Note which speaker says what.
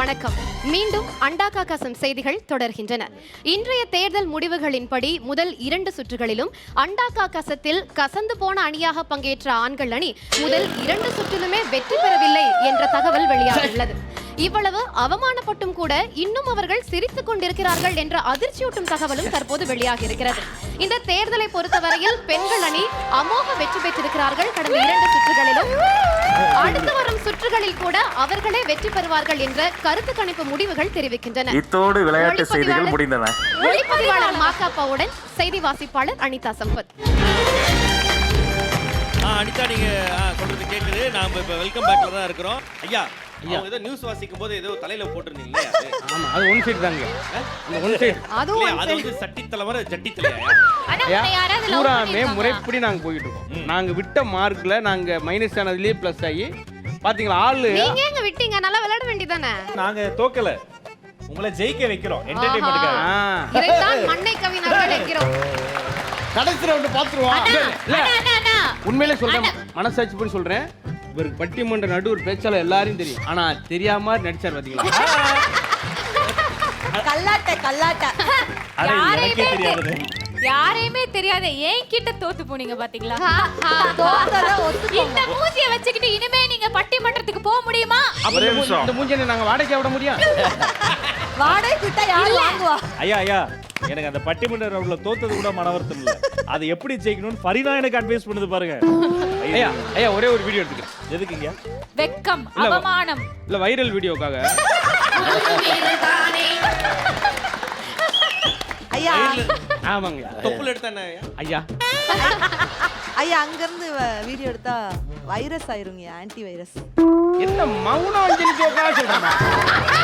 Speaker 1: வணக்கம். மீண்டும் அண்டாக்கா கசம் செய்திகள் தொடர்கின்றன. இன்றைய தேர்தல் முடிவுகளின்படி முதல் 2 சுற்றுகளிலும் அண்டாக்கா கசத்தில் கசந்து போன அணியாக பங்கேற்ற ஆண்கள் அணி முதல் 2 சுற்றிலுமே வெற்றி பெறவில்லை என்ற தகவல் வெளியாகியுள்ளது. இவ்வளவு அவமானப்பட்டும் கூட இன்னும் அவர்கள் சிரித்துக் கொண்டிருக்கிறார்கள் என்ற அதிர்ச்சியூட்டும் தகவலும் தற்போது வெளியாகி இருக்கிறது. இந்த தேர்தலை பொறுத்தவரையில் பெண்கள் அணி அமோக வெற்றி பெற்றிருக்கிறார்கள். கடந்த 2 சுற்றுகளிலும் அடுத்து வரும் சுற்றுகளில் கூட அவர்களே வெற்றி பெறுவார்கள் என்ற கருத்து கணிப்பு முடிவுகள் தெரிவிக்கின்றன.
Speaker 2: இத்தோடு விளையாட்டு செய்திகள் முடிந்தன.
Speaker 1: ஒளிப்பதிவாளர் மாக்காப்பாவுடன் செய்தி வாசிப்பாளர் அனிதா சம்பத்.
Speaker 3: அனிதா, நீங்க சொல்றது கேக்குது. நாம இப்ப வெல்கம் பேக்ல தான் இருக்கிறோம். ஐயா, அவங்க ஏதோ நியூஸ் வாசிக்கும் போது ஏதோ தலையில போட்டுருந்தீங்களே.
Speaker 4: ஆமா, அது ஒன் சைடு தாங்க. அந்த ஒன் சைடு
Speaker 3: அது வந்து சட்டி தலைவர ஜட்டி தலையா?
Speaker 4: பூராமே முறைப்படி நாங்க போயிட்டு இருக்கோம். நாங்க விட்ட மார்க்ல நாங்க மைனஸ் ஆனதுலயே பிளஸ் ஆகி பாத்தீங்களா ஆளு.
Speaker 1: நீங்க எங்க விட்டீங்க? நல்லா விளையாட வேண்டியதானே.
Speaker 5: நாங்க தோக்கல, உங்களை ஜெயிக்க வைக்கிறோம். என்டர்டெயின்மென்ட்காக.
Speaker 1: இதைத்தான் மண்ணை கவிஞர்கள் என்கிறோம்.
Speaker 4: கடைசி ரவுண்ட் பாத்துருவோம். இல்ல உண்மையிலே சொல்றேன், மனசாட்சி போய் சொல்றேன். இவருக்கு பட்டிமன்ற நடுவர் பேச்சாளர் எல்லாரையும் தெரியும். ஆனா தெரியாம நடிச்சார் பாத்தீங்களா?
Speaker 6: கல்லாட்ட
Speaker 5: எனக்கே தெரியாது.
Speaker 6: யாரையுமே தெரியாத ஏன் கிட்ட தோத்து போனீங்க பாத்தீங்களா? இந்த மூஞ்சிய வச்சுக்கிட்டு இனிமே நீங்க பட்டிமன்றத்துக்கு போக முடியுமா?
Speaker 4: இந்த மூஞ்சியை நாங்க வாடகைக்கு விட முடியும்?
Speaker 6: வாடகை கிட்ட யாரு வாங்குவா?
Speaker 5: ஐயா, எனக்கு அந்த பட்டிமன்ற ரவுண்ட்ல தோத்தது கூட மனவருத்தம் இல்ல. அது எப்படி ஜெயிக்கணும்னு ஃபரினா எனக்கு அட்வைஸ் பண்ணுது பாருங்க.
Speaker 4: ஐயா ஒரே ஒரு வீடியோ எடுத்துக்கிறேன்.
Speaker 5: எதுக்குங்க?
Speaker 6: வெக்கம், அவமானம்.
Speaker 4: இல்ல வைரல் வீடியோக்காக.
Speaker 7: ஐயா,
Speaker 4: ஆமாங்க.
Speaker 3: தொப்புல எடுத்தானே
Speaker 4: ஐயா.
Speaker 7: ஐயா அங்க இருந்து வீடியோ எடுத்தா வைரஸ் ஆயிருங்க, ஆன்டி வைரஸ்.
Speaker 4: என்ன மௌனம் அஞ்சலி ஜோக்கா சொல்றேன்.